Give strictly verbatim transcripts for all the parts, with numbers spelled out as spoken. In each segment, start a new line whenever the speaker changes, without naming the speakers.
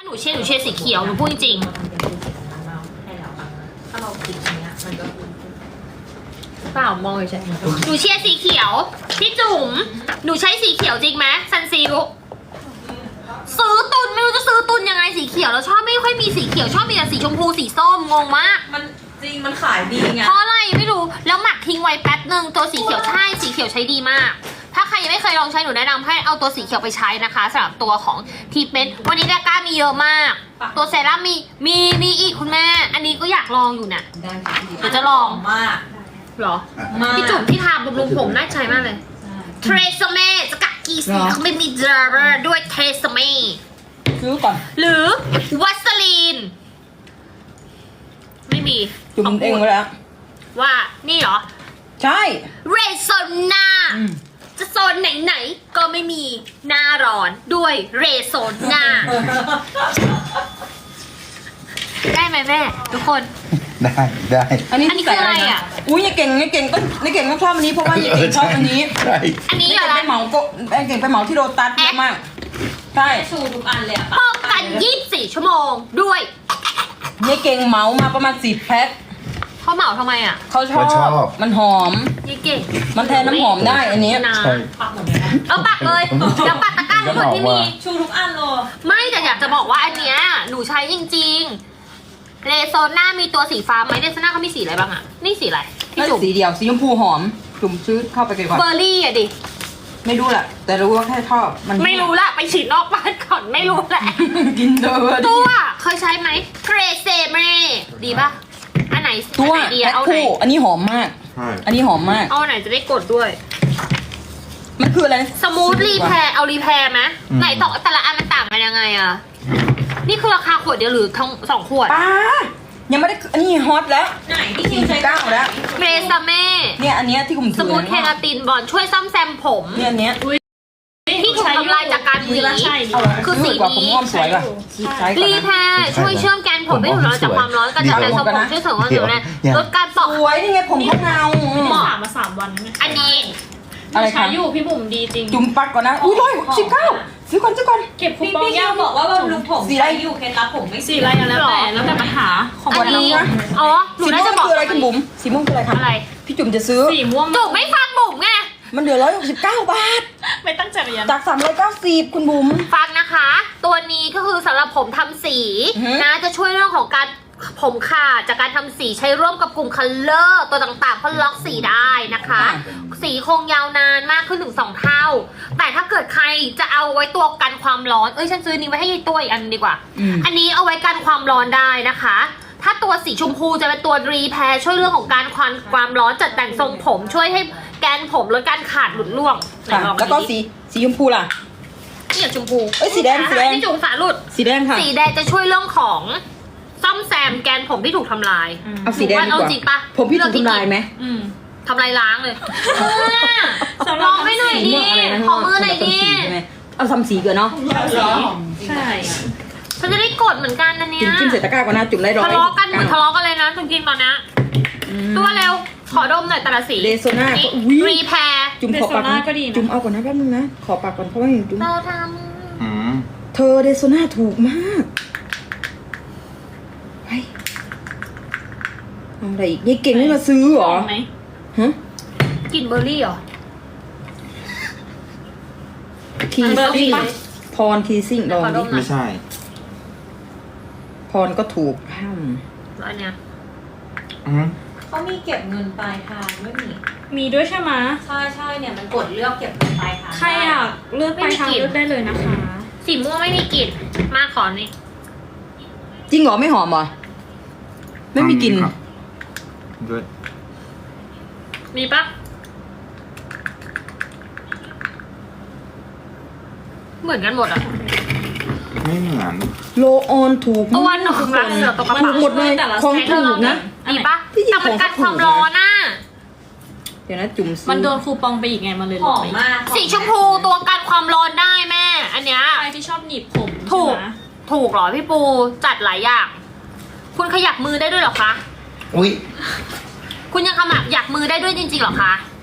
นูเชียร์หนูเชียร์สีเขียวหนูพูดจริง
ถ้าเราคิดอย่างเงี้ยมันก็
เปล่ามองเฉย
หนูเชียร์สีเขียวพี่จุ๋มหนูใช้สีเขียวจริงไหมซันซิลซื้อตุนไม่รู้จะซื้อตุนยังไงสีเขียวแล้วชอบไม่ค่อยมีสีเขียวชอบมีแต่สีชมพูสีส้มงงมาก
มันจริงมันขายดีไง
เพราะอะไรไม่รู้แล้วหมักทิ้งไว้แป๊บหนึ่งตัวสีเขียวใช่สีเขียวใช้ดีมาก ถ้าใครยังไม่เคยลองใช้หนูแนะนำให้เอาตัวสีเขียวไปใช้นะคะสำหรับตัวของทีเมนต์วันนี้ดาก้ามีเยอะมาก ตัวเซรั่มมีมีมีอีกคุณแม่ อันนี้ก็อยากลองอยู่เนี่ย
ได้ค่ะ
เดี๋ยวจะลอง
มาก
หรอ
มาก
พี่จุ๋มที่ทาบำรุงผมน่าใช้มากเลยเทรซเม่สกัดกีสีเขาไม่มีดราเวอร์ด้วยเทรซเม่
ๆซื้อก่อน
หรือวัสลีน ไม่มี
จุ่มเองไว้แล้ว
ว่านี่เหรอ
ใช่
เรโซนา
อืม
จะโซนไหนๆก็ไม่มีหน้าร้อนด้วยเรโซนาได้ไหมแม่ ทุกคน
ได้ได้
อันนี้
อันนี้คืออะไรอ่ะ
อุ้ยยายเก่งยายเก่งก็ยายเก่งต้องชอบอันนี้เพราะว่ายายเก่งชอบอันนี้
ใช่
อันนี้
ยาย
เหร
เก่
อง
ไปเหมาก็ยายเก่งไปเหมาที่โรตัสเยอะมากใช่
ชูทุกอันเลยอะ
ป้องกันยี่สิบสี่ชั่วโมงด้วย
ยายเก่งเหมามาประมาณสิบแพ็ค
เขาเหมาทำไมอ่ะ
เขาชอบมันหอม
ยี่เก่ง
มันแทนน้ำหอมได้อันนี้
นะ
ใช่
ปักหมดเลยนะ
เออปักเลยแล้วปักตะกร้าทั้งหมดที่มี
ชูทุกอันเลย
ไม่แต่อยากจะบอกว่าอันเนี้ยหนูใช้จริงๆเรโซน่ามีตัวสีฟ้าไหมเรโซน่าเขามีสีอะไรบ้างอ่ะนี่สีอะไรพี่
นั่น
จุ๋ม
สีเดียวสีชมพูหอมจุ่มซื้อเข้าไปก่อน
เบอร์รี่อ่ะดิ
ไม่รู้แหละแต่รู้ว่าแค่ชอบมัน
ไม่รู้ละไปฉีดนอกบ้านก่อนไม่รู้แหละ
กินเดอร์
ตัวเคยใช้ไหมเทรเซเม่ดีป่ะอันไหน
ตัว
อันไหนดี
แพ็
อะ
ค
เอาไหน
คู่อันนี้หอมมาก
ใช่
อันนี้หอมมาก
เอาไหนจะได้กดด้วย
มันคืออะไร
สมูทรีแพร์เอารีแพร์ไหมไหนต่อแต่ละอันมันต่างกันยังไงอะนี่คือราคาขวดเดียวหรือทั้งสองขวด
ป้ายังไม่ได้อันนี้ฮอตแล้ว
ไหนที่คิวใช้
เก้าแล้ว
เทรซเม่
เนี่ยอันเนี้ยที่ผม
ส
ถือ
มูทเคราตินบอลช่วยซ่อมแซมผม
เนี่ยอันเนี้ย
ที่ถูกทำลายจากการหวี
เอาเหรอ
คือสี
กว่าผม
นี้
งอมสวยป่ะใช้ก่อน
รี
นะ
แพร์ช่วยเชื่อมแกนผมให้ถูกทำลายจากความร้อนกระจายทรงผมช่วยเสริมความสวยลดการปอก
สวยนี่ไงผมก็เงา
เหมาะ
ถามมาสามวันแล้วไง
อันนี้
อะไร
ใช้
คะ
อยู่พี่บุ๋มดีจริง
จุ่มปักก่อนนะอุ้ยร้อยสิบเก้าซื้อก่อนซื้อก่อน
เก็บคู
พี่
ปอง
พี่คิ
ย่าว
บอกว่าบำรุงผม
สีอะไร
ใช้อยู่เคล็ดลับผมไม่
สีอะไรกันแล้วแต่แล้วแต่ปัญหาของ
อั
วัน น
นี้
นี้
อ๋อหนู
สี
น่า
ม่ว
จะ
ง
บอก
คืออะไรคุณบุ๋มสีม่วงคืออะไรคะ
อะไร
พี่จุ่มจะซื้อ
สีม่วง
จุกไม่ฟังบุ๋มไง
มันเหลือร้อยหกสิบเก้าบาท
ไม่ตั้งใจเรียน
จากสามร้อยเก้าสิบคุณบุ๋ม
ฟังนะคะ ตัวนี้ก็คือสำหรับผมทำสี
อือฮึ
นะจะช่วยเรื่องของการผมขาดจากการทำสีใช้ร่วมกับกลุ่มคัลเลอร์ตัวต่างๆเพื่อล็อกสีได้นะคะ สีคงยาวนานมากขึ้นถึงสองเท่า แต่ถ้าเกิดใครจะเอาไว้ตัวกันความร้อน เอ้ยฉันซื้อนี้ไว้ให้ยายตัวอีกอันดีกว่า
อืม
อันนี้เอาไว้กันความร้อนได้นะคะ ถ้าตัวสีชมพูจะเป็นตัวรีแพร์ช่วยเรื่องของการควันความร้อนจัดแต่งทรงผม ช่วยให้แกนผมลดการขาดหลุดร่วงไหน
ค่ะ
ลอง
แล้วก็
ดิ
สีสีชมพูล่ะ
นี่อย่างชมพู
เอ้ยสีแดงสีแดง
นี่จุงฝาหลุด
สีแดงค่ะ
สีแดงจะช่วยเรื่องของซ่อมแซมแกนผมที่ถูกทำลาย
เอาสีแดงดี
เอา
กว่า
จริงปะ
ผมพี่ถูกทำลายไหม
อืม
ทำลายล้างเลย
สำหรับ
ลองให้หน่อย
สี
ดิ
ม่วงอะไรนะ
ขอมือหน่อยดิ
สีใช่ไหมเอาซ้ำสีเกินเนาะ
ใช่
ฉันจะได้กดเหมือนกันนะเนี่
จุ่
ย
มจิ้มใส่ตะกร้าก่อนนะจุ่มได้ร้อย
ทะเลาะกันเหมือนทะเลาะกันเลยนะจริงๆตอนนี้ตัวเร็ว ขอดมหน่อยแต่ละสี
เลโซน่า
นี่
อุ้ย
รีแพร์
จุ่มขอปากนะจุ่มเอาก่อนนะแป๊บนึงนะขอปากก่อนเพราะว่าอย่างจุ่ม
เราท
อืม
เธอเลโซน่าถูกมากไปเอาอะไรอีกยายเก่งไม่มาซื้อเหรอ
ไหม
ฮะ
ำกลิ่นเบอร์รี่เหรอ
ที
เบอร์รี่
ซิ่งพรทีซิ่งลอง
ขอด
ดิ
มหน่
ไม่
อย
ใช่
พรก็ถูกห้าม
แล้วอันเนี้ย
อืม
เขามีเก็บเงินปลายทางไม่มี
มีด้วยใช่ไหม
ใช่ใช่เนี่ยมันกดเลือกเก็บเงินปลายทาง
ใครอยากเลือกไปทางเลือกได้เลยนะคะ
สีม่วงไม่มีกลิ่นมาขอนี่
จริงเหรอไม่หอมเหรอไม่มีกลิ่น
ครับด้วย
มีปะเหมือนกันหมดอ่ะ
ไม่เหมือน
โลออนถูก
ตัวหนูรักเสือตกกระ
ถู
เป๋าก
หมดเลยของถูกนะ
มีปะ
ที่จริง
แต่มันกัน
ของเขาถูก
ความร้อนน่ะ
เดี๋ยวนะจุ่มซื้อ
มันโดนคูปองไปอีกไงมันเลย
ห
ล
อ
ด
ม
ไป
มาก
สีชมพูตัวกันความร้อนได้แม่ อันเนี้ย
ใครที่ชอบหนีบผม
ถูก
ใช่ไหม
ถูกเหรอพี่ปูจัดหลายอย่าง คุณขยับมือได้ด้วยเหรอคะ
อุ้ย
คุณยังขมับอยากมือได้ด้วยจริงๆเหรอคะ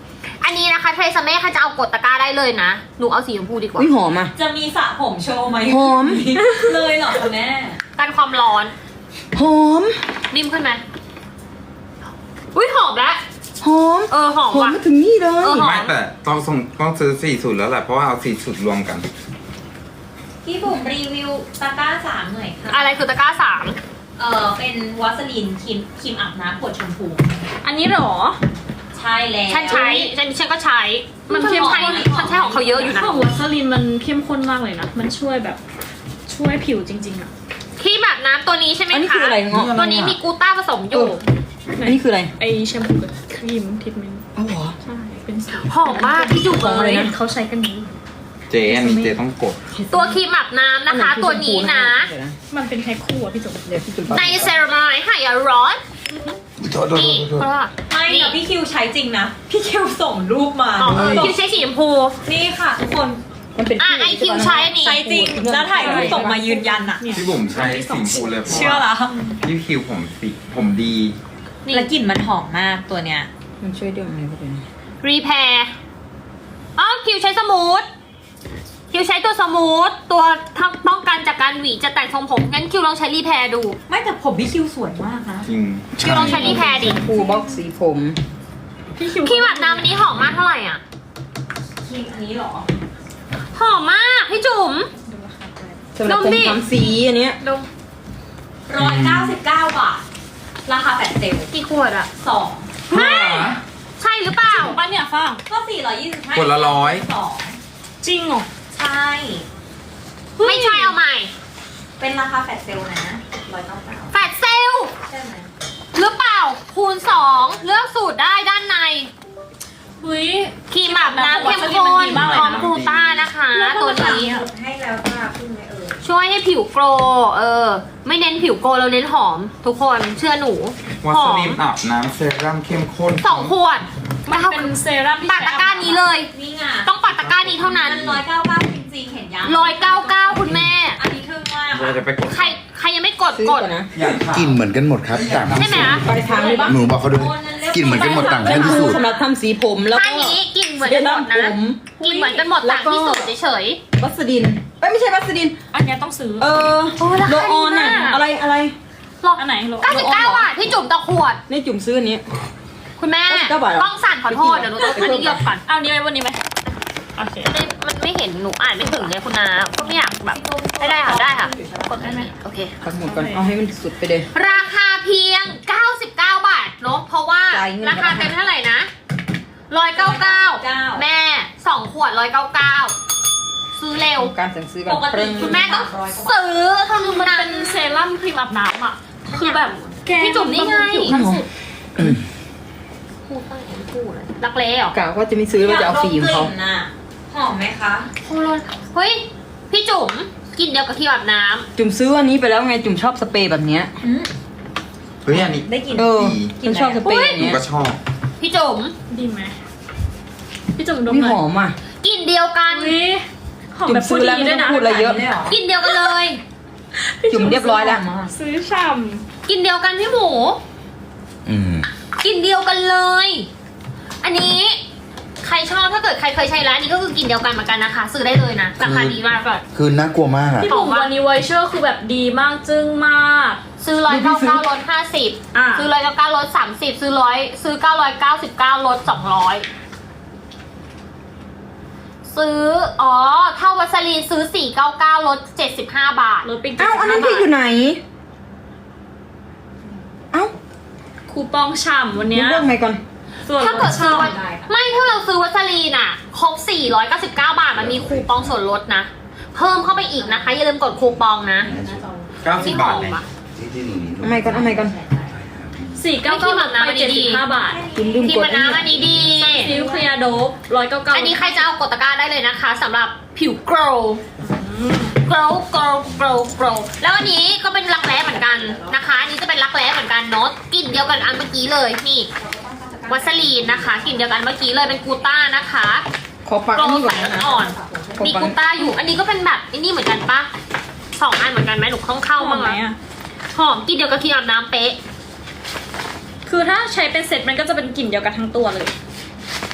อันนี้นะคะเทรซาเม่ใครจะเอากดตะกร้าได้เลยนะหนูเอาสีชมพูดีกว่า
อุ้ยหอมอ่ะ
จะมีสระผมโชว์ไหม
หอม
เลยเหรอคุณแม่
กันความร้อน
หอม
นิ่มขึ้นไหมอุ้ยหอมแล้ว
หอม
เออหอม
หอม
ว่ะ
มาถึงนี่เลย
เออหอ
ไม่แต่ต้องส่งต้องซื้อสี่สูตรแล้วแหละเพราะว่าเอาสี่สูตรรวมกัน
พี่บุ๋มรีวิวตะกร้าสามหน่อยค่ะ
อะไรคือตะกร้าสาม
เออเป็นวัสลีนครีมครีมอาบน้ำขวดชมพู
อันนี้เหรอ
ใช่แล้ว
ฉันใช้ฉันฉันก็ใช้
มันเข้มข้น
ฉันใช้ของเขาเยอะอยู่นะ
ของวัสลินมันเข้มข้นมากเลยนะ มันช่วยแบบช่วยผิวจริงๆอะ
ที่แบบน้ำตัวนี้ใช่ไหมคะ
อันนี้คืออะไรเงาะ
ตัวนี้มีกูต้าผสมอยู่
อันนี้คืออะไร
ไอแชมพูกับครีมทิทเมนต์
อ้าวเหรอ
ใช่ เป็นสี
หอมมากพี่จุ๋ม
ของอะไรนะ
เขาใช้กันนี้
เจอันนี้เจต้องกด
ตัวครีมอาบน้ำนะคะ ตัวนี้นะ
เดี๋ยวนะ
มันเป็นแพ็คคู่อะพี่จุ๋ม
เดี๋ยวพี่จุ๊บ
ในเซรั่มหายร้อนนี่เพราะว่า
ไม่แต่พี่คิวใช้จริงนะ พี่คิวส่งรูปมา
อ๋อเออคิวใช้สีชมพู
นี่ค่ะทุกคน
มันเป็น
อ่ะไอคิวใช้อันนี้
ใช้จริง แล้วถ่ายรูปส่งมายืนยันอะ
เนี่ย
พี่บุ๋มใช้สีฟูเลยเพราะ
เชื่อ
ว่า
ละ
พี่คิวผมสีผมดี
นี่
แล้วกลิ่นมันหอมมากตัวเนี้ย
มันช่วยเรื่องอะไรก็เป็น
รีแพร์อ๋อคิวใช้สมูทคิวใช้ตัวสมูทตัวทั้งป้องกันจากการหวีจะแตกทรงผมงั้นคิวลองใช้รีแพร์ดู
ไม่แต่ผมพี่คิวสวยมากนะ
จริง
คิวลองใช้รีแพร์ดิ
ฟูบ็อกสีผม
พี่คิว
ครีมอาบน้ำอันนี้หอมมากเท่าไหร่อ่ะ
ครีมอันนี้เหรอ
หอมมากพี่จุ๋ม
ดูราคาไป
สำหรับ
นม
ผม
ดิ
ทำสีอันเนี้ย
ดู
ร้อยเก้าสิบเก้าบาท ราคาแฟลชเซลล์
กี่ขวดอ่ะ
สอง
ไม่ใช่หรือเปล่า
ป้าเนี่ยฟ้าง
ก็สี่ร้อยยี่สิบห้า
คนละร้อย
สอง
จริงเหรอ
ใช่
ไม่ใช่เอาใหม่
เป็นราคาแฟลชเซลล์นะร้อยเก้าเก้า
แฟลชเซลล
ใช่ไหม
หรือเปล่าคูณสองเลือกสูตรได้ด้านใน
เฮ้ย
ครีมอาบน้ำเข้มข้น
มันดีมากเลย
พร้อม
นะ
กลูต้านะคะ ตัวนี้
ให้แล้วจ้าพึ่งไหมเอ่ย
ช่วยให้ผิวโกลว์เออ ไม่เน้นผิวโกลว์เราเน้นหอม ทุกคนเชื่อหนู
วั
ห
ส
อ
ลิ
ม
นอาบน้ำเซรั่มเข้มข้น
สองขวด
มันเป็นเซรั่มที่
ปัดตะกร้านี้เลย
นี่ไง
ต้องปัดตะกร้านี้เท่านั้น
มันร้อยเก้าเก้าจริงๆเห็นยัง
ร้อยเก้าเก้าคุณแม่
อันนี้ทึ่งมาก
เราจะไปกด
ใครใครยังไม่กด
ซื้อก
ด
ก่อนนะ
อยากถาม
กลิ่นเหมือนกันหมดครับต่าง
ใช่ไหมคะ
ปลายทางเลยปะ
หนูบอกเขาด้วยกลิ่นเหมือนกันหมดต่างกันที่สุด
สำหรับทำสีผมแล้ว
ท่า
ก็
นี้กลิ่นเหมือนกันหมดนะ
เซรั่มผม
กลิ่นเหมือนกันหมด
แล้
ต่าว ง
ก็
ที่สุดเฉย
วัสดินเอ้ยไม่ใช่วัสดิน
อันเนี้ยต้องซื้อ
เออ
โอ้ราคา
โลออนอะ
ดีมาก
อะไรอะไร
ๆหรอก
อันไหนโล
เก้าสิบเก้าบาทพี่จุ๋มต่อขวด
นี่จุ่มซื้ออันนี้
คุณแม่
เก้าบาทเหรอ
กล้องสั่นขอโทษเดี๋ยวหนูต้องอันนี้เยอะก่อน
เอานี้ไว้วันนี้ไหมโอเค
ไม่มันไม่เห็นหนูอ่านไม่ถึงเลยคุณนาก็ไม่อยากแบบได้ได้ค่ะได้ค่ะกดได้ไหมโอเค
ทั้งหมดก่อนเอาให้มันสุดไปเลย
ราคาเพียง เก้าสิบเก้า บาทเนาะเพราะว่า
จ่ายเงิน
ราคาเต็มเท่าไหร่นะหนึ่งร้อยเก้าสิบเก้า แม่สองขวดหนึ่งร้อยเก้าสิบเก้าซื้อเร็ว
การสั่งซื้อก่อน
ปกติ
คุณแม่ต้องซื้อเท่า
คือมัน
นั้น
เป็นเซรั่มครีมอาบน้ำอ่ะ คือแบบแก
พี่จุ๋มนี่ไง
ผิวขั้นสุด
พูดตั้งแต่พูดเลยรักเล่เหรอก
ะว่าจะไม่ซื้อว่าจะเอาฟิล์มเขา
ยกดมกลิ่นน่ะหอมไหมคะ
โคโรนเฮ้ยพี่จุ๋มกินเดียวกับที่อาบน้
จุ่มซื้ออันนี้ไปแล้วไงจุ่มชอบสเปรย์แบบเนี้ย
อืม
เฮ้ยอันนี้
ได้กลิ่น
เออ
ดี
ฉันชอบสเปรย์อย่าง
หนู
เนี้ย
ก็ชอบ
ำพี่จุ๋ม
ดีไหมพี่จุ๋มดม
นี่
หน่
ห
อ
อย มอ่ะ
กินเดียวกัน
อุ้ยหอม
จุ่
แบ
ม
บ
ซื้
พู
อ
ด
แล้ว
ดี
ไม่
ด้วย
ต้อง
นะ
พูดอะไรเยอะ
กินเดียวกันเลย
จุ่มเรียบร้อยแล้ว
ซื้อฉ่
กินเดียวกันพี่หมู
อืม
กินเดียวกันเลย อันนี้ใครชอบถ้าเกิดใครเคยใช้ร้านนี้ก็คือกินเดียวกันเหมือนกันนะคะ ซื้อได้เลยนะราคาดีมากก่อน
คือน่ากลัวมาก
ำ
อะ
พี่บุ๋มวันนี้ไวเชอร์คือแบบดีมากจึ้งมาก
ซื้อร้อยเก้าเก้าลดห้าสิบ
อ่ะ
ซื้อร้อยเก้าเก้าลดสามสิบซื้อร้อยซื้อเก้าร้อยเก้าสิบเก้าลดสองร้อยซื้ออ๋อเท่าวัสลีนซื้อสี่เก้าเก้าลดเจ็ดสิบห้าบาท
ลดไป
เอ้าอันนั้น
บา
พี่
ท
อยู่ไหน เอ้า
คูปองฉ่ำวัน
นี่
เนี้ย
เรื่องไหนก่อน
ส่วน
ถ้า
ล
เกิ
ด
ดซื้อวั
ฉ่ำ
สไม่ถ้าเราซื้อวัสลีนอ่ะครบสี่ร้อยเก้าสิบเก้าบาทมันมีคูปองส่วนลดนะ เพิ่มเข้าไปอีกนะคะอย่าลืมกดคูปองนะ
เก้าสิบบาท
นี่
เลย
หอมอะ
เอาใหม่ก่อนเอาใหม่ก่อน
สี่เก้า
ไม่คิด
เก้า
แบบ
ลด
นั้น
ไป
มันดี
เจ็ดสิบห้าบาท
คุณลืม
ที่
กด
มัน
อัน
น้ำอัน
นี้
นี้ดี
ซิลเคลียร์โดบร้อยเก้าเก้า
อันนี้ใครจะเอากดตะกร้าได้เลยนะคะสำหรับผิว glow glow glow glow glow แล้วอันนี้ก็เป็นรักแร้เหมือนกันนะคะ อันนี้จะเป็นรักแร้เหมือนกันเนาะกลิ่นเดียวกันอันเมื่อกี้เลยนี่วัสลีนนะคะกลิ่นเดียวกันเมื่อกี้เลยเป็นกูต้านะคะ
ขอปัก
โกล
อันนี้
ว์
ก่
ใส
อนนะคะ
อ่อน
ขอ
มี
ปัก
กูต้าอยู่ อันนี้ก็เป็นแบบอันนี้เหมือนกันปะสองอันเหมือนกันไหมหนูเข้าเข้า
เข้า
บ้าง
ไหม
ไหม
อ่ะ
หอมกลิ่นเดียวกับที่อาบน้ำเป๊ะ
คือถ้าใช้เป็นเซ็ตมันก็จะเป็นกลิ่นเดียวกันทั้งตัวเลย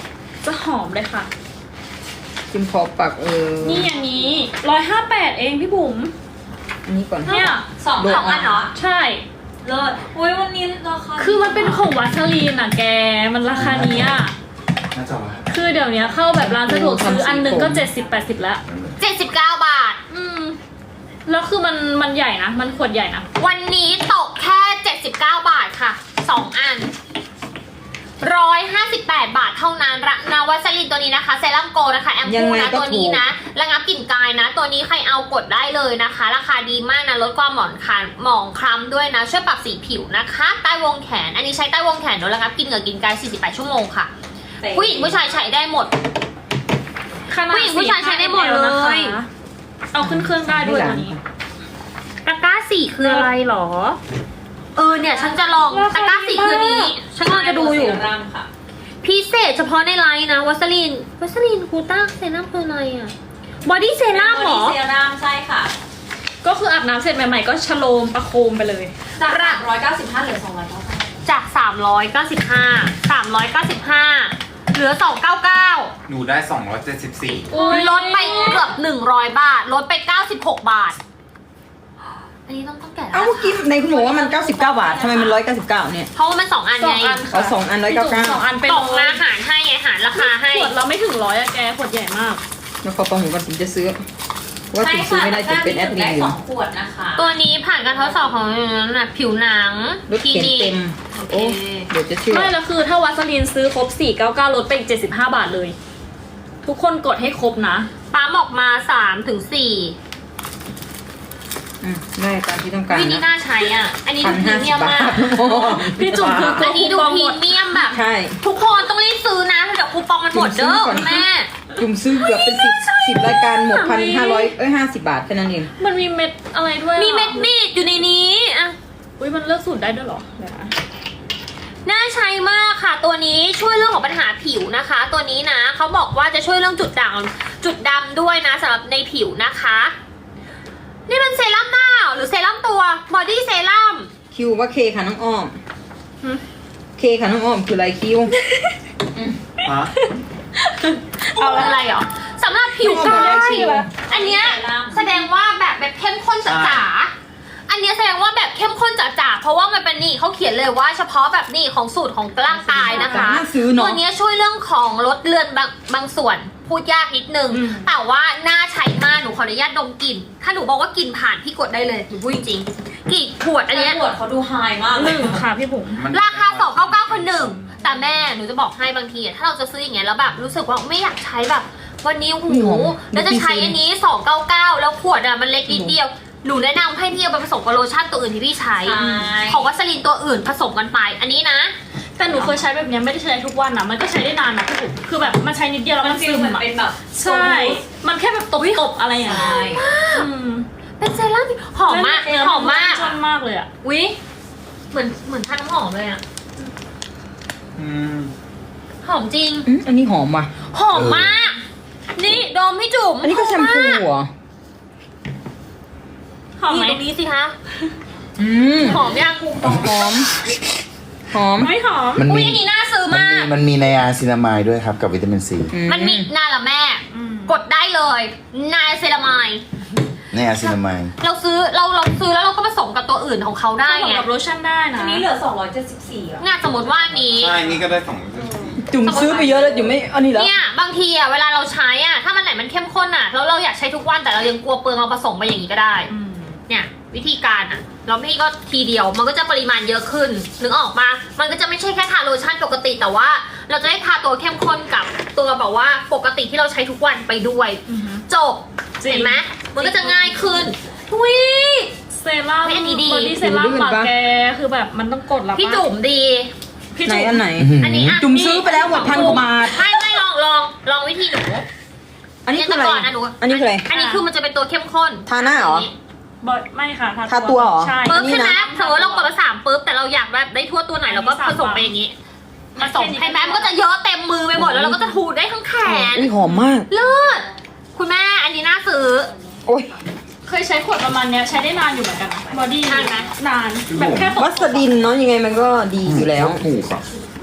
จะหอมเลยค่ะ
จิมพอปักเออ
นี่อย่างนี้ร้อยห้าแปดเองพี่บุ๋ม
อันนี้ก่อน
เนี่ย
สอง
โดน
สองอันเหรอ
ใช่
เลิศอุ้ยวันนี้ราคา
คือมันเป็นของวัสลีนอ่ะแก มันราคานี้อ่ะ
น่าจะว่า
คือเดี๋ยวนี้เข้าแบบร้านสะดวกซื้ออันหนึ่งก็เจ็ดสิบแปดสิบแล้ว
เจ็ดสิบเก้าบาท
อืม แล้วคือมันมันใหญ่นะ มันขวดใหญ่นะ
วันนี้ตกแค่เจ็ดสิบเก้าบาทค่ะสองอันหนึ่งร้อยห้าสิบแปดบาทเท่านั้นระนาวัสลินตัวนี้นะคะเซรั่มโกนะคะแอม
ยัง
พู
ไง
นะ
ก็
ตัวนี้
ถูก
นะระงับกลิ่นกายนะ ตัวนี้ใครเอากดได้เลยนะคะ ราคาดีมากนะลดความหมองคล้ำหมองคล้ำด้วยนะ ช่วยปรับสีผิวนะคะ ใต้วงแขน อันนี้ใช้ใต้วงแขนโดยระงับกลิ่นเหงื่อกินกายสี่สิบแปดชั่วโมงค่ะ ผู้หญิงผู้ชายใช้ได้หมด
ขนาด
ผู้หญิงผู้ชายใช้ได้หมดเลย
นะคะเอาขึ้นเครื่องได้ด้วยตัวนี้
ตะกร้าสี่คืออะไรหรอ เออเนี่ยฉันจะลองตะกร้าสี่คือนี้ ฉันกำลังจะดูอยู่
เซรั่มค่ะ
พิเศษเฉพาะในไลน์นะวัสลินวัสลินกูต้าเซรั่มคืออะไรอะบอดี้เซรั่มเหรอ
เซรั่มใช่ค่ะ
ก็คืออาบน้ำเสร็จใหม่ๆก็ชโลมประโคมไปเลย
จากสามร้อยเก้าสิบห้าเหลือสองร้อยเก้าสิบ
จาก สามร้อยเก้าสิบห้า สามร้อยเก้าสิบห้า เหลือ สองร้อยเก้าสิบเก้า
หนูได้สองร้อยเจ็ดสิบสี่
ลดไปเกือบหนึ่งร้อยบาท ลดไปเก้าสิบหกบาท อันนี้ต้องต้องแกะแล้ว
เอ้าเมื่อกี้ในคุณบอกว่ามันเก้าสิบเก้าบาททำไมมันร้อยเก้าสิบเก้าเนี่ย
เพราะว่ามันสองอัน
สอ
ไง
งอัน
อ๋อสองอันร้อยเก้าเก้า
สองอันเป็น
ตกมาหารให้ไงหารราคาให้
ขวดเราไม่ถึงร้อยอะแกขวดใหญ่มาก
แล้วขอประหูกันถึงจะซื้อว่าถึงซื้อไม่ได้ถึงเป็นแอดมิน
ได้
อยู่
สองขวดนะคะ
ตัวนี้ผ่านการทดสอบของน่ะผิวหนัง
รถเข็นเต็ม
โอ
โอ้
เค
เดี๋ยวจะเชื่อ
ไม่แล้วคือถ้าวัสลีนซื้อครบสี่เก้าเก้าลดไปอีกเจ็ดสิบห้าบาทเลย ทุกคนกดให้ครบนะ
ปั๊มออกมาสามถึงสี่
อืมได้ตามที่ต้องการ
วินี่
นะ
น่าใช้อ่ะ อันนี้
พั
ดู
น
พรี
ห้า
เมี
สิ
ย
บ
ม
บาท
มาก
พี่จุ๋มคือ
อันนี้ดูพรีเมียมแบบ
ใช่
ทุกคนต้องรีบซื้อนะเดี๋ยวคูปองมันหมดเด้อคุณแม่
จุ่มซื้อเกือบเป็นสิบสิบรายการหมดพันห้าร้อยเอ้ยห้าสิบบาทแค่นั้นเอง
มันมีเม็ดอะไรด้วยอะ
มีเม็ดบีดอยู่ในนี้อ่ะ
อุ้ยมันเลือกสูตรได้ด้วยเหรอเดี๋ยวนะ
น่าใช้มากค่ะ ตัวนี้ช่วยเรื่องของปัญหาผิวนะคะ ตัวนี้นะเขาบอกว่าจะช่วยเรื่องจุดด่างจุดดำด้วยนะสำหรับในผิวนะคะ นี่เป็นเซรั่มหน้าหรือเซรั่มตัวบอดี้เซรั่ม
คิวว่าเคค่ะน้องอ้อม
หึ
เคค่ะน้องอ้อมคืออะไรคิว
ฮะ
เอาอะไรเหรอสำหรับผิวกา
ไม่
ย
ใช่เหรอ
อันเนี้ยแสดงว่าแบบแบบเข้มข้นจ๋าๆอันเนี้ยแสดงว่าแบบเข้มข้นจ๋าๆเพราะว่ามันเป็นนี่เขาเขียนเลยว่าเฉพาะแบบนี่ของสูตรของร่างกายนะคะ
น่าซื้อเน
ตัว
อะ
เนี้ยช่วยเรื่องของลดเลือนบางบางส่วนพูดยากนิดนึง
อืม
แต่ว่าน่าใช้มากหนูขออนุญาตดมกลิ่นถ้าหนูบอกว่ากลิ่นผ่านพี่กดได้เลยหนูพูดจริงๆกลิ่นขวดอันเนี้ย
ขวดเขาดูไฮมาก
ห
เลย
นึ่งค่ะพี่บุ๋ม
มัน
ราคาสองเก้าเก้าคนหนึ่งแต่แม่หนูจะบอกให้บางทีอะถ้าเราจะซื้ออย่างเงี้ยแล้วแบบรู้สึกว่าไม่อยากใช้แบบ วันนี้หูแล้วจะใช้อันนี้สองเก้าเก้าแล้วขวดอะมันเล็กนิดเดียวหนูแนะนำให้พี่เอาไปผสมกับโลชั่นตัวอื่นที่พี่ใช้
ใช่
ของวัสลินตัวอื่นผสมกันไป อันนี้นะ
แต่หนูเคยใช้แบบเนี้ยไม่ได้ใช้ทุกวันนะมันก็ใช้ได้นานนะพี่บุ๋มคือแบบมันใช้นิดเดียวแล้ว
มั
มัน น
ฟี
ซึ
ล
ม
เหมือน
อะ
เป็นแบบ
ใช่ มันแค่แบบตบๆอะไรอย่างเงี้ย
ใช่
อืม
เป็นเซรั่มที่หอมมาก
แล้ว
หอมมาก
ชอบมากเลยอะ
วิเหมือนเหมือนทานน้ำหอมเลยอะ
อืม
หอมจริง
อืมอันนี้หอมว่ะ
หอมมาก นี่ดมพี่จุ๋ม
อันนี้ก็แชมพูเหรอ
หอม
นี่
ไหม
ตรงนี้สิคะ
อืม
หอมยัง
หอม หอม
ไม่หอม
มัน
อุ้
มี
ยอันนี้น่าซื้อ
มัน
มา
มี
ก
มันมีไนอาซินามายด้วยครับกับวิตามินซี
อื
มันมีนาละแม่
อืม
กดได้เลยนายเซรามาย
ไนอาซินามาย
เราซื้อเราเราซื้อแล้วเราก็ผสมกับตัวอื่นของเขาได้
ได้
ไง
กับโลชั่นได้นะ
อันนี้เหลือสองร้อยเจ็ดสิบสี่อ่ะ
งานสมมติว่าอันนี้
ใช่ นี่ก็ได้สองร้อยเจ็ดสิบสี่
จุ่มซื้อไปเยอะแล้วจุ่มไม่อันนี้แล้ว
เนี่ยบางทีอ่ะเวลาเราใช้อ่ะถ้ามันไหนมันเข้มข้นอ่ะแล้วเราอยากใช้ทุกวันแต่เรายังกลัวเปลืองเราผสมไปอย่างนี้ก็ได้
อืม
เนี่ยวิธีการอ่ะเราไม่ก็ทีเดียวมันก็จะปริมาณเยอะขึ้นนึกออกมามันก็จะไม่ใช่แค่ทาโลชั่นปกติแต่ว่า เราจะได้ทาตัวเข้มข้นกับตัวแบบว่าปกติที่เราใช้ทุกวันไปด้วย
อือฮึ
จบ
จริง
เห็นไหมมันก็จะง่ายขึ้นวิ
เซรั่ม
เฮ้ยอันนี้ดี
บอดี้เซรั่มปากแกคือแบบมันต้องกดแล้วปะ
พี่จุ๋มดี
พี่
ไหน
จุ๋ม
อันไหน
อันนี้อ่ะ
จุ่มซื้อไปแล้วหมดพันกว่าบาท
ไม่ไม่ลองลองลองวิธีหนู
อันนี้คืออะไร
เยแต่ก่อนนะหนู
อันนี้คืออะไร
อันนี้คือมันจะเป็นตัวเข้มข้น
ทาหน้าเหรอ
บอดไม่ค่ะ
ทาตัวเหรอ
ใช่
ปุ๊บ
อันนี้
ใช่ไหม
นะ
สมมติเรากดมาสามปุ๊บแต่เราอยากแบบได้ทั่วตัวไหนเราก็ผสมไปอย่างนี้ผสมให้แม่มันก็จะเยอะเต็มมือไปหมดแล้วเราก็จะถูได้ทั้งแขน
อุ้ยหอมมาก
เลิศคุณแม่อันนี้น่าซื้อ
โอ้ย
เคยใช้ขวดประมาณเนี้ยใช้ได้นานอยู่เหมือนกันบอดี้
นานไหม
นานแบบแค่ตก
วัสดินเนาะยังไงมันก็ดีอยู่แล้ว
ถูกอ่ะ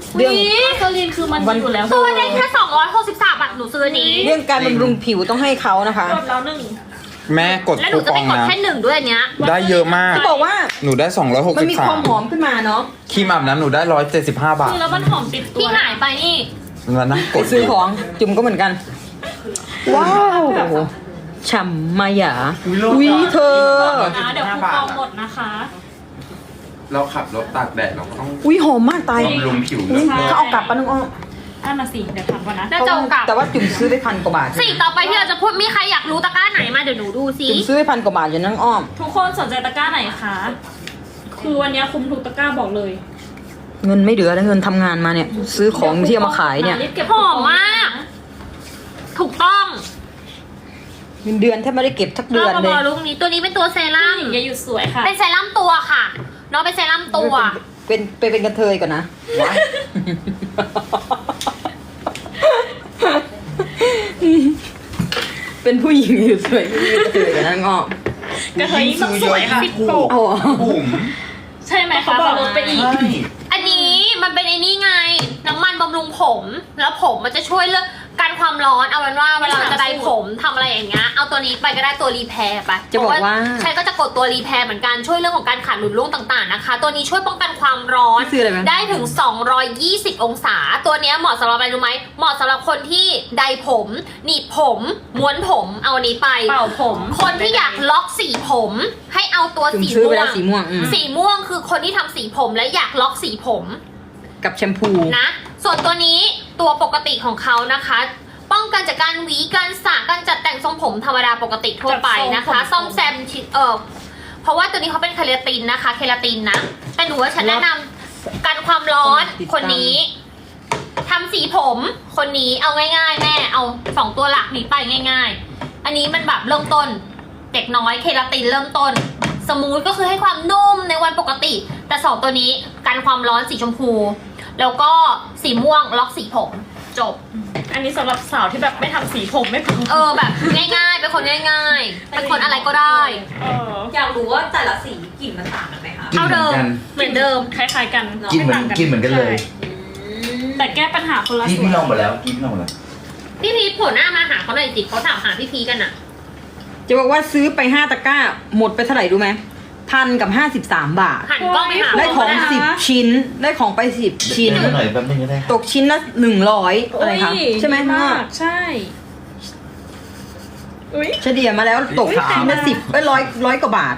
เรื่อง
วิสลินคือมัน
วัน
อยู่แล้ว
ตัวได้แค่สองร้อยหกสิบสามบาทหนูซื้ออันนี้
เรื่องการบำรุงผิวต้องให้เขานะคะ
กดแล้วหนึ่ง
แม่กด
แล้วห
คู
นูจะ
ปอ
ไม่
ง
กด
นะ
แค่หนึ่งด้วยอันเนี้ย
ได้เยอะมาก
จะบอกว่า
หนูได้สองร้อยหก
มัน
สิบ
มี
สา
ความ มหอมขึ้นมาเนาะ
ครีมอาบน้ำหนูได้ร้อยเจ็ดสิบห้าบาท
คือแล้วมันหอมติดตัว
ที่หายไปนี่
แล้วนะก
ไป
ด
ซื้อของจุ่มก็เหมือนกัน ว้าวฉ่ำมายาวิเธอ
นะเดี๋ยวคูปองหมดนะคะ
เราขับรถตากแดดเราก็ต้อง
อุ้ยหอมมากตาย
บำรุงผิว
อุ๊ย
เลิศ
เขาเอากลับปะน้องอ้อม
อ่ะมาสิ เดี๋ยวทำก่อนนะ
น่าจะเอากลับ
แต่ว่าจุ่มซื้อไปพันกว่าบาท
สิ่งต่อไปที่เราจะพูดมีใครอยากรู้ตะกร้าไหนมาเดี๋ยวหนูดูซิ
จุ่มซื้อไปพันกว่าบาทอยู่น้องอ้อม
ทุกคนสนใจตะกร้าไหนคะ คือวันนี้คุ้มทุกตะกร้าบอกเลย
เงินไม่เหลือแล้วเงินทำงานมาเนี่ย ซื้อของที่เอามาขายเนี่ย
รีบเก็บ
หอมมาก ถูกต้อง
เงินเดือนแทบไม่ได้เก็บทักเดือน
เอา
เล
มาย ลุกนี้ตัวนี้เป็นตัวเซรั่ม
อย่าหยุดสวยค่ะ
เป็นเซรั่มตัวค่ะเนาะเป็นเซรั่มตัว
เป็นไปเป็นกระเทยก่อนนะ เป็นผู้หญิงอยู่สวยเป็นกระเทยก่อนนะน้องอ้อม
กระเทยยิ่งต้องสวยค่ะ
เอาเหรอ
บุ๋ม
ใช่ไหมคะบอกลดไปอีก
อันนี้มันเป็นไอ้นี่ไง น้ำมันบำรุงผม แล้วผมมันจะช่วยเรื่องการความร้อนเอาเป็นว่าเวลาจะไดผมทำอะไรอย่างเงี้ยเอาตัวนี้ไปก็ได้ตัวรีแพร์ไป
จะบอกว่า
ใช่ก็จะกดตัวรีแพร์เหมือนกันช่วยเรื่องของการขาดหลุดร่วงต่างๆนะคะ ตัวนี้ช่วยป้องกันความร้อน
พี่ซื้ออะไรไหม
ได้ถึง สองร้อยยี่สิบ องศา ตัวเนี้ยเหมาะสำหรับอะไรรู้ไหมเหมาะสำหรับคนที่ไดผมหนีบผมม้วนผมเอาอันนี้ไป
เป่าผม
คนที่อยากล็อกสีผม ให้เอาตัว
จุ่ม
สี
ซื้อไป
ม่ว
แล้ว
ง
สีม่วงอืม
สีม่วงคือคนที่ทำสีผมและอยากล็อกสีผม
กับแชมพู
นะ ส่วนตัวนี้ตัวปกติของเขานะคะ ป้องกันจากการหวีการสระการจัดแต่งทรงผมธรรมดาปกติทั่วไปนะคะ
จัดทรงผม
ซ่อมแซมชิ้นเออเพราะว่าตัวนี้เขาเป็นเคลาตินนะคะ เคลาตินนะแต่หนูว่าฉันแนะนำกันความร้อนคนนี้ทำสีผมคนนี้เอาง่ายๆแม่เอาสองตัวหลักนี้ไปง่าย ๆ อันนี้มันแบบเริ่มต้นเด็กน้อยเคลาตินเริ่มต้น สมูทก็คือให้ความนุ่มในวันปกติ แต่สองตัวนี้กันความร้อนสีชมพู แล้วก็สีม่วงล็อกสีผมจบ
อันนี้สำหรับสาวที่แบบไม่ทำสีผมไม่พอ
เออแบบง่ายๆ เป็นคนง่ายๆ เป็นคนอะไรก็ได้
เออ
อยากรู้ว่าแต่ละสีกลิ่นมันต่างกันไหมคะ
กิน
เท่า
เหมื
เดิ
อน
ม
กัน
เหมือนเดิม
คล้ายๆกัน
กินเหมือนกินเหมือนกันเลย
ใช่แต่แก้ปัญหาคนละ
พี่
ส่ว
พี่
น
ลองหมดแล้วพี่พี่ลองหมดแล้ว
พี่พีชโผล่หน้ามาหาเขาหน่อยสิเขาถามหาพี่พีชกันอะ
จะบอกว่าซื้อไปห้าตะกร้า หมดไปเท่าไหร่รู้ไหมพันกับห้าสิบสามบาท
หันกล้องไปหา
ได้ของ
เขา
สิบชิ้น ได้ของไปสิบชิ้น
เดี๋ยวหน่อยแป๊บนึงก็ได้
ตกชิ้นละหนึ่งร้อยอะไรคะ
โย
ใช่ไหม
ดี
พ่อ
มากใช่อุ้ย
เฉลี่ยมาแล้วตก
อุ๊ย
ชิ้นละ
ขายมา
สิบเอ้ยร้อยร้อยกว่าบาท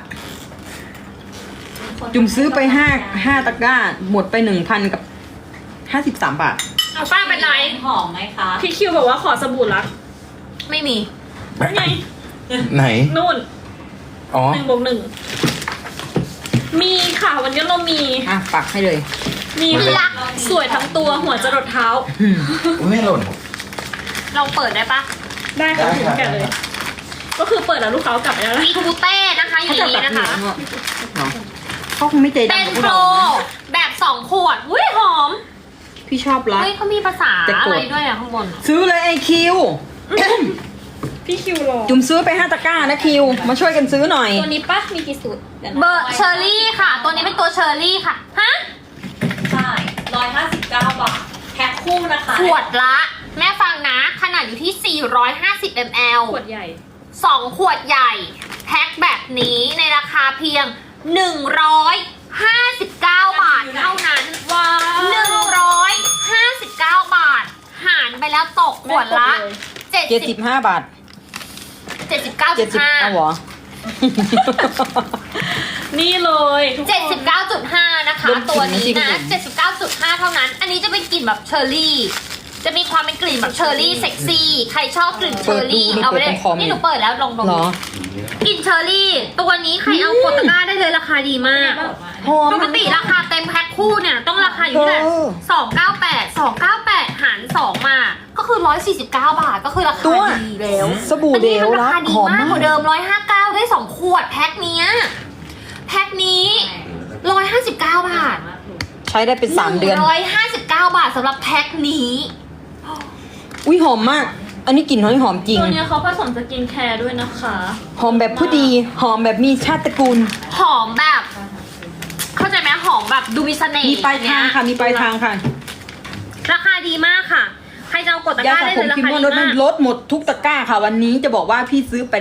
จุ่มซื้อไปห้าห้าตะกร้า หมดไปหนึ่งพันกับห้าสิบสามบาท
เอาป้าเป็นไร
หอมไหมคะ
พี่คิวบอกว่าขอสบู่รัก
ไม่มี
ไง
ไหน
นู่น
อ๋อ
หนึ่งบวกหนึ่งมีค่ะวันนี้เรามี
อ่ะปักให้เลย
มี
มันเป็น
รักสวยทั้งตัวหัวจรดเท้า
อุ๊ยไม่หล่น
เราเปิดได้ปะ
ได้ค่ะ
ได้
ถึง
ค่ะ
แก่เลย ก็คือเปิดแล้วลูกค้ากลับไปแล้วนะ
วีทูเต้นะคะอย่างนี้นะคะ
เขาคงไม่ใจ
เป็
ดำ
น
กับพวก
โปร
เรานะ
แบบสองขวดอุ้ยหอม
พี่ชอบรัก
เฮ้ยเขามีภาษา
แต่โก
อะ
รธ
ไรด้วยอะข้างบนอะ
ซื้อเลยไอคิว
พี่คิวรอ
จุ่มซื้อไปห้าตะกร้านะคิว มาช่วยกันซื้อหน่อย
ตัวนี้ปะมีกี่สูตรดี๋ยวนะ
เบอร์เชอร์รี่ค่ะ ตัวนี้เป็นตัวเชอร์รี่ค่ะ ฮะ
ใช่ร้อยห้าสิบเก้าบาทแพ็คคู่นะคะ
ขวดละ แม่ฟังนะ ขนาดอยู่ที่ สี่ร้อยห้าสิบมิลลิลิตร
ขวดใหญ่
สองขวดใหญ่ แพ็คแบบนี้ในราคาเพียง หนึ่งร้อยห้าสิบเก้า บาทเท่านั้น
ว้าว
หนึ่งร้อยห้าสิบเก้า บาท หารไปแล้วตกขวดละ เจ็ด
เจ็ด
สิ
สิ
บบ
ห้าบาท
เจ็ดสิบเก้า
เจ็
จุ
ด
ด
สิบ
ห้า
เอาเหรอ
นี่เลยทุกคน
เจ็ดสิบเก้าจุดห้านะคะ
เริ่ม
ตัวนี้
จริง
นะ
ๆ
เจ็ดสิบเก้าจุดห้า เท่านั้น อันนี้จะเป็นกลิ่นแบบเชอร์รี่ จะมีความเป็นกลิ่นแบบเชอร์รี่เซ็กซี่ ใครชอบกลิ่นเชอร์รี่
เปิดดู
เอาไปเลย
เปิดตรงคอม
นี่หนูเปิดแล้วลองดม
เหรอ
กลิ่นเชอร์รี่ ตัวนี้ใครเอากดตะกร้าได้เลยราคาดีมาก
หอม
ปกติราคาเต็มแพ็คคู่เนี่ยต้องราคาอยู่ที่
เออ
สองเก้าแปด สองเก้าแปดหารสองมา ก็คือร้อยสี่สิบเก้าบาท ก็คือราคา
ตัว
ดีแล้ว
สบู่
อัน
เด
นี้
ล
มันรา
รั
คาก ดี
หอม
มาก
มาก
กว่าเดิมร้อยห้าเก้าได้สองขวดแพ็คเนี้ยแพ็คนี้ร้อยห้าสิบเก้าบาท
ใช้ได้เป็นสามเดือน
ร้อยห้าสิบเก้าบาทสำหรับแพ็คนี้
อุ้ยหอมมาก อันนี้กลิ่นหอยหอมจริง
ตัวเนี้ยเขาผสมสกินแคร์ด้วยนะคะ
หอมแบบผู้ดี หอมแบบมีชาติตระกูล
หอมแบบ เข้าใจไหมหอมแบบดูมีเสน่ห์
มีปลายทางค่ะ มีปลายทางค่ะ
ราคาดีมากค่ะ ใครจะเอากดตะก
ยา
ร้า
สระ
ได้
ผ
เลยรา
มคิม
คาม
อน
ดี
รถมั
มาน ก
ลดหมดทุกตะกร้าค่ะวันนี้จะบอกว่าพี่ซื้อไป